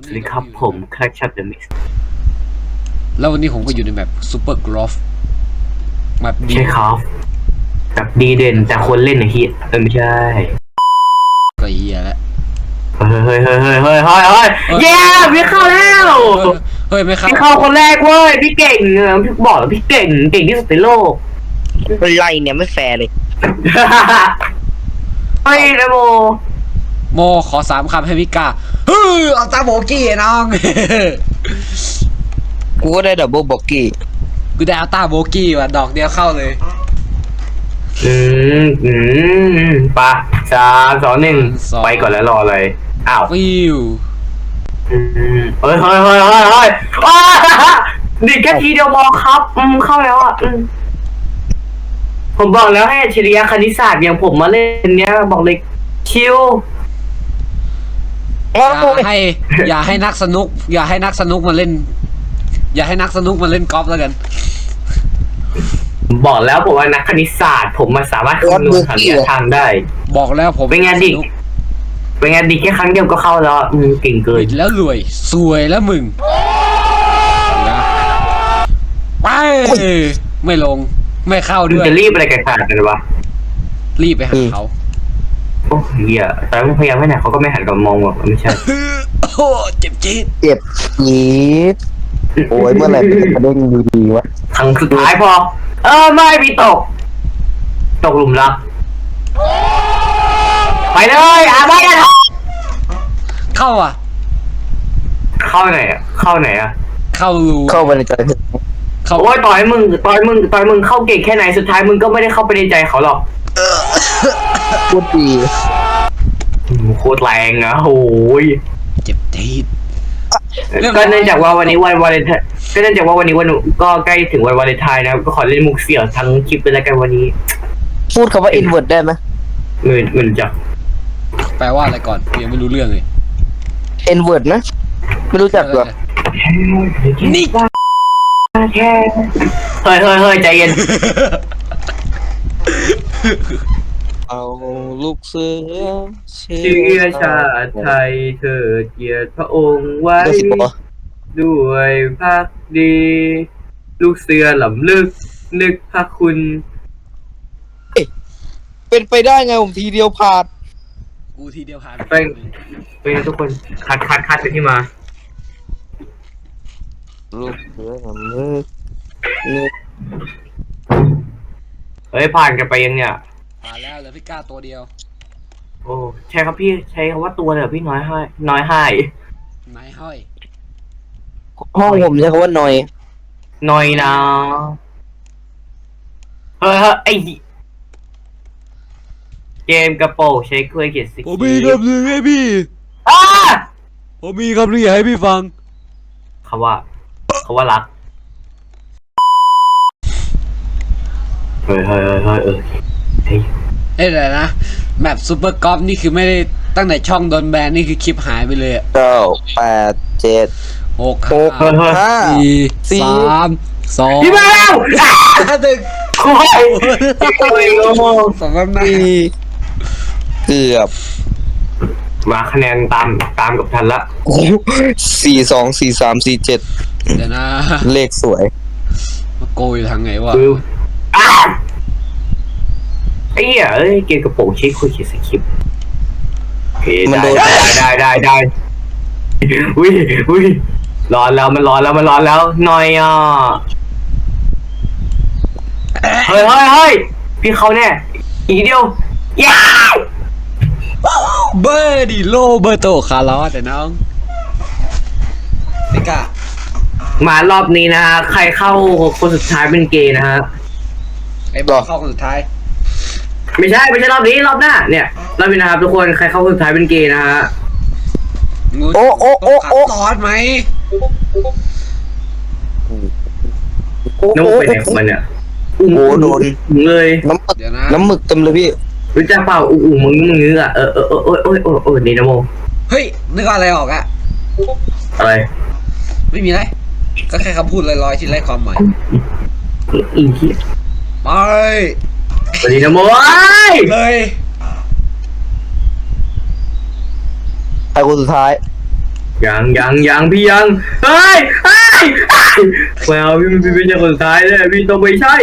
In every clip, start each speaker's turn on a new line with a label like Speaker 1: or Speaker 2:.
Speaker 1: วัสดีครับผมแคลชัดเดอะมิส
Speaker 2: แล้ววันนี้ผมก็อยู่ในแบบซูเปอร์กรอฟแบบดี
Speaker 1: ใช่ครับแบบดีเด่นแต่คนเล่นไอ้เฮียไม่ใช่
Speaker 2: ก็เฮียแล้ว
Speaker 1: เฮ้ยเย้พี่เข้าแล้ว
Speaker 2: เฮ้ยไม่เข้า
Speaker 1: พี่เข้าคนแรกเว้ยพี่เก่งพี่บอกแล้วพี่เก่งที่สุดในโลก
Speaker 3: เป็นไรเนี่ยไม่แฟร์เลย
Speaker 1: เฮ้ยนะโม
Speaker 2: โมขอ3 คำให้พิก้าเอาตาโบกี้น้อง
Speaker 3: กูก็ได้ดับเบิลบ็อกกี้
Speaker 2: กูได้เอาตาโบกี้ว่ะดอกเดียวเข้าเลย
Speaker 1: ปะ3 2 1ไปก่อนแล้วรอเลยอ้าว
Speaker 2: ฟิว
Speaker 1: เฮ้ยดิแค่ทีเดียวพอครับเข้าแล้วอ่ะผมบอกแล้วให้อัจฉริยะคณิตศาสตร์อย่างผมมาเล่นเนี้ยบอกเลยชิว
Speaker 2: อย่าให้นักสนุกมาเล่น อย่าให้นักสนุกมาเล่นกอล์ฟแล้วกัน
Speaker 1: บอกแล้วผมว่านักคณิตศาสตร์ผมมันสามารถคำนวณหาระยะทางได้
Speaker 2: บอกแล้วผม
Speaker 1: เป็นไงดิแค่ครั้งเดียวก็เข้าแล้วเก่งเกิน
Speaker 2: ปิดแล้วรวยสวยแล้วมึงนะไปไม่ลงไม่เข้า
Speaker 1: มึง
Speaker 2: ด้วย
Speaker 1: จะรีบอะไรกันขนาดนั้นวะ
Speaker 2: รีบไปหาเขา
Speaker 1: โอ้เหี้ยแต่มึงพยายามให้ไหนเขาก็ไม่หันกลับมองหรอกไม่ใช่
Speaker 2: โอ้เจ็บจี๊ด
Speaker 3: เจ็บจี๊ดโอ้ยเมื่อไหร่มันจะกระเด้งดีๆวะ
Speaker 1: ครั้งสุดท้ายพอไม่มีตกหลุมรักไปเลยไปกัน
Speaker 2: เข้าอ่ะ
Speaker 1: เข้าไหนอ่ะเข้ารู
Speaker 3: เข้าไปในใจ
Speaker 2: เข้า
Speaker 1: โอ้ยต่อยมึงเข้าเก่งแค่ไหนสุดท้ายมึงก็ไม่ได้เข้าไปในใจเขาหรอก
Speaker 3: พูดดี
Speaker 1: โคตรแรงอ่ะโอ้ย
Speaker 2: เจ็บจี๊ด
Speaker 1: ก็เนื่องจากว่าวันนี้วันวาเลนไทน์ก็เนื่องจากว่าวันนี้ก็ใกล้ถึงวันวาเลนไทน์นะครับก็ขอเล่นมุกเสี่ยวทั้งคลิปไปแล้วกันวันนี้
Speaker 3: พูดคำว่า invert ได้ไหม
Speaker 1: เงินจัก
Speaker 2: แปลว่าอะไรก่อนกูยังไม่รู้เรื่องเลย
Speaker 3: invert นะไม่รู้จักหรอ
Speaker 2: นี่
Speaker 1: แค่เฮ้ยใจเย็น
Speaker 3: เอาลูกเสือ
Speaker 1: เชื้อชาติไทยเถิดเกียรติพระองค์ไว้
Speaker 3: ได้สิบปะ
Speaker 1: ด้วยภักดี ลูกเสือหลำลึกนึกพระคุณ
Speaker 3: เป็นไปได้ไงผมทีเดียวผ่าน
Speaker 2: กูทีเดียวผ่าน
Speaker 1: เป็นทุกคนคัดไปที่มา
Speaker 3: ลูกเสือผมนึก
Speaker 1: เฮ้ยผ่านกันไปยังเนี่ย
Speaker 2: ผ่านแล้วเหลือพี่ก้าตัวเดียว
Speaker 1: โอ้ใช่ครับพี่ใช้คำว่าตัวเลยเหรอพี่น้อยให้
Speaker 2: ไม้ห้อย
Speaker 3: ห้องผมใช้คำว่าหน่อย
Speaker 1: น้อยนะเฮ้ยไอเกมกระโปรงใช้เคยเขียนสิ
Speaker 2: ผมมีคำหนึ่งให้พี่
Speaker 1: อ้า
Speaker 2: ผมมีคำหนึ่งให้พี่ฟัง
Speaker 1: เขาว่ารักเฮ้ยเฮ้ย
Speaker 2: แต่นะแมปซูเปอร์กอล์ฟนี่คือไม่ได้ตั้งแต่ช่องโดนแบนนี่คือคลิปหายไปเลยอะ
Speaker 3: 9 8 7
Speaker 2: 6
Speaker 3: 5
Speaker 2: 4 3 2
Speaker 1: พี่แมว
Speaker 2: 1
Speaker 1: โอ้ยโอ้ยโง่
Speaker 2: สองหน้า
Speaker 3: เกือบ
Speaker 1: มาคะแนนตามกับทันละ
Speaker 3: 4 2 4 3 4 7
Speaker 2: เดี๋ยวนะ
Speaker 3: เลขสวย
Speaker 2: มาโกยทางไงวะ
Speaker 1: คือไอ้เหี้ยเอ้ยเกมกระโปรงใช้คุยเขียนสคริปต์โอเคได้อุ้ยร้อนแล้วมันร้อนแล้วหน่อยอ่ะเฮ้ยพี่เขาเนี่ยอีกเดียวย้า
Speaker 2: เบอร์ดิโลเบอร์โตคาร์ลอสแต่น้องไม่กล้าม
Speaker 1: ารอบนี้นะฮะใครเข้าคนสุดท้ายเป็นเกย์นะฮะ
Speaker 2: ไอ้บอกเข้าคนสุดท้าย
Speaker 1: ไม่ใช่รอบนี้รอบหน้าเนี่ยรอบนี้นะครับทุกคนใครเข้าคนสุดท้ายเป็นเกย์นะฮะ
Speaker 3: โอ้
Speaker 2: ขัดตอนไหม
Speaker 1: น้องไปไหนของมันเนี่ยโดนเลย
Speaker 2: เดี๋ยวนะ
Speaker 3: น้ำหมึกเต็มเลยพี่
Speaker 1: รู้จักเปล่ามึงอ่ะนี่นะโม
Speaker 2: เฮ้ยนึกอะไรออกอะ
Speaker 1: อะไร
Speaker 2: ไม่มีไรก็แค่คำพูดลอยๆที่ไร้ความหมาย
Speaker 1: อีกที
Speaker 2: ไป
Speaker 1: สวัสดีนะโม
Speaker 2: เลย
Speaker 3: ใครคนสุดท้าย
Speaker 1: ผยังพี่ยังเฮ้ยแมวพี่ไม่ใช่คนสุดท้ายเลยพี่ต้องไม่ใช่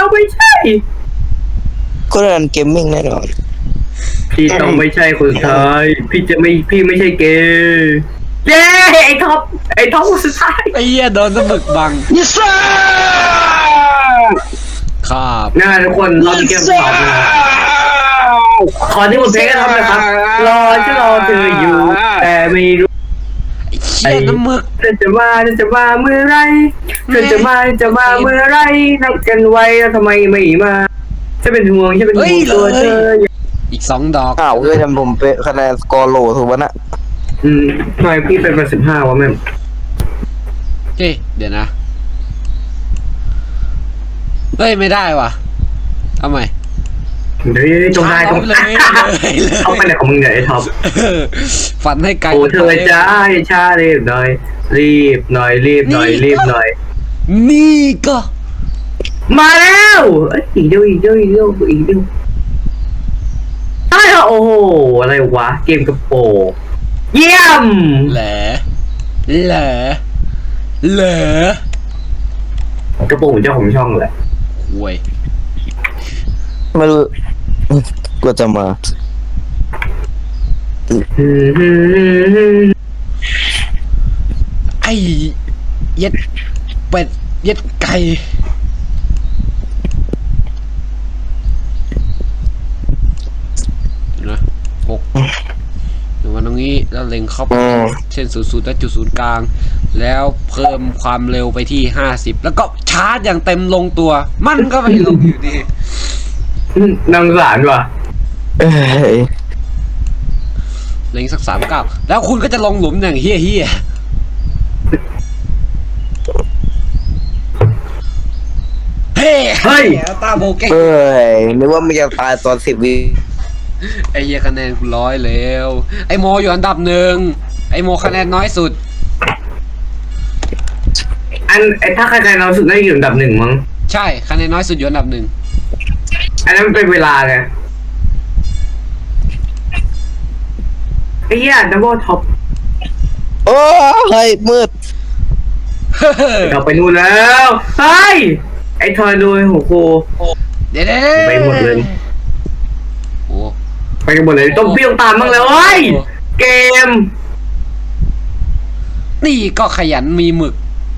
Speaker 3: ก็รันเกมมิ่งแน่นอน
Speaker 1: พี่ต้องไม่ใช่คนสุดท้ายพี่ไม่ใช่เกย์เย้ไอ้ท็อปคนสุดท้าย
Speaker 2: ไอ้เหี้ยโดนสมึกบังครับ
Speaker 1: นะทุกคนเรามีเกมสอบนะขอที่ผมเพลงกันทำนะครับรอเธออยู่ แต่ไม่รู้
Speaker 2: ไอ้เหี้ยน้ำมึก
Speaker 1: เธอจะมาเมื่อไรเธอจะมาเมื่อไรนัดกันไว้แล้วทำไมไม่มาฉันเป็นห่วงตัวเธอ
Speaker 2: อีก2 ดอก
Speaker 3: อ้าวเฮ้ยทำผมเป็นคะแนนสกอร์โหลถูกปะน่ะ
Speaker 1: ทำไมพี่เป็น15วะแม่
Speaker 2: เฮ้ยเดี๋ยวนะเฮ้ยไม่ได้ว่ะเอาใหม่
Speaker 1: เดี๋ยวจงได้
Speaker 2: เลย
Speaker 1: เอาไปไหนของมึงเนี่ยไอ้ท็อป
Speaker 2: ฝันให้ไกล
Speaker 1: โอ้เธอจ้าช้ารีบหน่อย
Speaker 2: นี่ก็
Speaker 1: มาแล้วอีกเดียวใช่เหรอโอ้โหอะไรวะเกมกระโปงเยี่ยม
Speaker 2: เหล
Speaker 1: กระโปรงเจ้าของช่องแหละ
Speaker 2: ห่วย
Speaker 3: ไม่รู้ก็จะมา
Speaker 2: ไอ้เย็ดเป็ดเย็ดไก่นะ6อยู่มาตรงนี้แล้วเล็งเข้าไปเส้น00และจุดศูนย์กลางแล้วเพิ่มความเร็วไปที่50แล้วก็ชาร์จอย่างเต็มลงตัวมันก็ไม่ลงอยู่ดี
Speaker 1: นังสารว่ะ
Speaker 3: เอ้ย
Speaker 2: เล็งสัก39แล้วคุณก็จะลงหลุมอย่างเฮี้ยเฮ้ยตาโบเก้
Speaker 3: เอ้ยนึกว่ามันจะตายตอน10 วิ
Speaker 2: ไอ้เหี้ยคะแนนกู100แล้วไอ้โมอยู่อันดับ1ไอ้โมคะแนนน้อยสุด
Speaker 1: ถ้าใครเราสุดได้อยู่อันดับ1มั้ง
Speaker 2: ใช่คะแนนน้อยสุดอยู่อันดับ1
Speaker 1: อันนั้นมันเป็นเวลาไงไอ้เหี้ยดับเบิลท็อป
Speaker 3: โอ้เฮ้ยมืด
Speaker 1: เราไปนู่นแล้วเฮ้ยไอ้ทอยดูโอ้โห
Speaker 2: เดี๋ยว
Speaker 1: ไปหมดเลย
Speaker 2: โอ้
Speaker 1: ไปกันหมดเลยต้องเปี้ยงตามบ้างเลยเว้ยเกม
Speaker 2: นี่ก็ขยันมีหมึก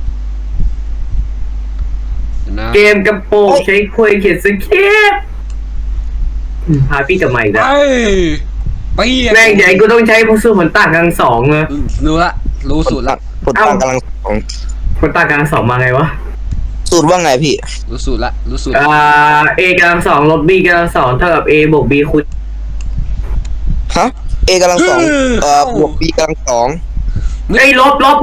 Speaker 2: นะ
Speaker 1: เกมกระโปงใช้คุยเขียนสคริปต์พาพี่กลับมาอีกแล้ว
Speaker 2: ไป
Speaker 1: แม่งใหญ่กูต้องใช้พวกสู้ผลต่างกลางสองเลย
Speaker 2: รู้สูตรละ
Speaker 3: ผลต่างกำลังสอง
Speaker 1: ผลต่างกลางสองมาไงวะ
Speaker 3: สูตรว่าไงพี่
Speaker 2: รู้สูตร
Speaker 1: A กำลังสองลบ B กำลังสองเท่ากับ A บวก B คูณ
Speaker 3: ฮะ A กำลังสองบวก B กำลังสอง
Speaker 1: ไอ้ลบลบ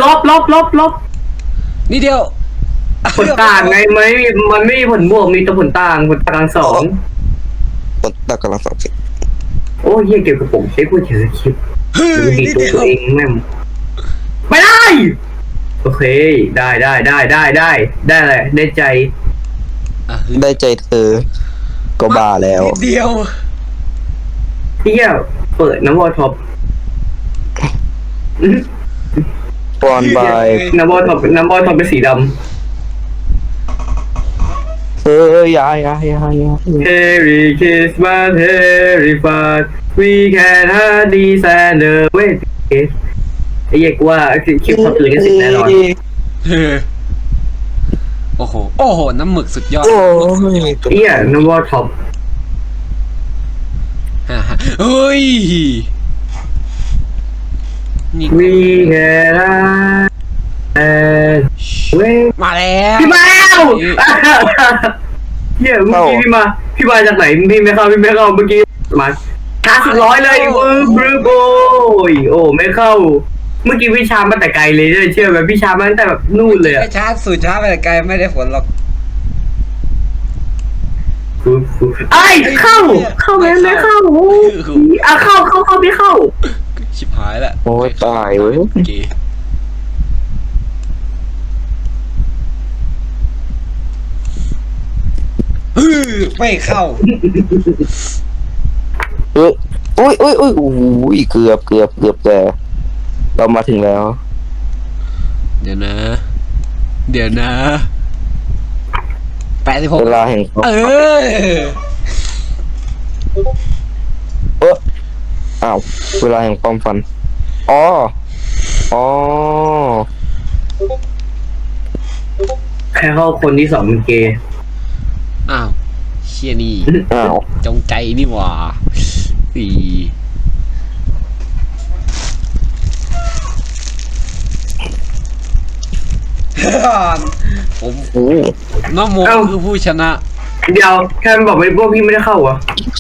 Speaker 2: นี่เดียว
Speaker 1: ผลต่างไงมันไม่มีผลบวกมีแต่ผลต่างกลางสอง
Speaker 3: ผลต่างกำลังสองสิ
Speaker 1: โอ้ยเหี้ยเก็บกระโปรงใช้คุยเขียนสคริปต์ ดีตัวเองแม่งไม่ได้ โอเคได้อะไรได้ใจ
Speaker 3: ได้ใจเธอก็บ้าแล้ว
Speaker 2: นิดเดียว
Speaker 1: พี่เปิดน้ำวอลท็อป
Speaker 3: ปอนบาย
Speaker 1: น้ำวอลท็อปเป็นสีดำ
Speaker 3: อย่า
Speaker 1: Merry Christmas Merry Fun We can hardly stand the wait ไอ้เหี้ยกูว่าคลิปเขาตื่นกันเสร็จแน่นอน
Speaker 2: โอ้โหน้ำหมึกสุดยอด
Speaker 3: โอ้ย
Speaker 1: เหี้ยน้ำวอลท็อป
Speaker 2: เฮ้ยนี่
Speaker 1: We can wait
Speaker 2: มาแล้ว
Speaker 1: พี่มาแล้วเหี้ยเมื่อกี้พี่มาจากไหนพี่ไม่เข้าเมื่อกี้มาช้าสุด100เลยบรูโบยโอ้ไม่เข้าเมื่อกี้พี่ชามาแต่ไกลเลยเชื่อไหมพี่ชามาตั้งแต่แบบนู่นเลยอะ
Speaker 2: ช้าสุดช้าไปไกลไม่ได้ผลหรอก
Speaker 1: ไอ้เข้าไม่เข้าเข้าไม่เข้า
Speaker 2: ชิบหายละ
Speaker 3: โอ้ยตายเว้ย
Speaker 2: โอเคไม่เข้า
Speaker 3: อุ้ยเกือบแต่เรามาถึงแล้ว
Speaker 2: เดี๋ยวนะ86
Speaker 3: เวลาแห่งความ
Speaker 2: เออ
Speaker 3: อ้าวเวลาแห่งความฝันอ๋อ
Speaker 1: แค่เข้าคนที่สองเป็นเกย์
Speaker 2: อ้าวเชี่ยนี่
Speaker 3: อ้าว
Speaker 2: จงใจนี่หว่าอี ผม
Speaker 3: โอ้
Speaker 2: น้องโมคือผู้ชนะ
Speaker 1: เดี๋ยวแค่มันบอกไม่พวกพี่ไม่ได้เข้าเหรอ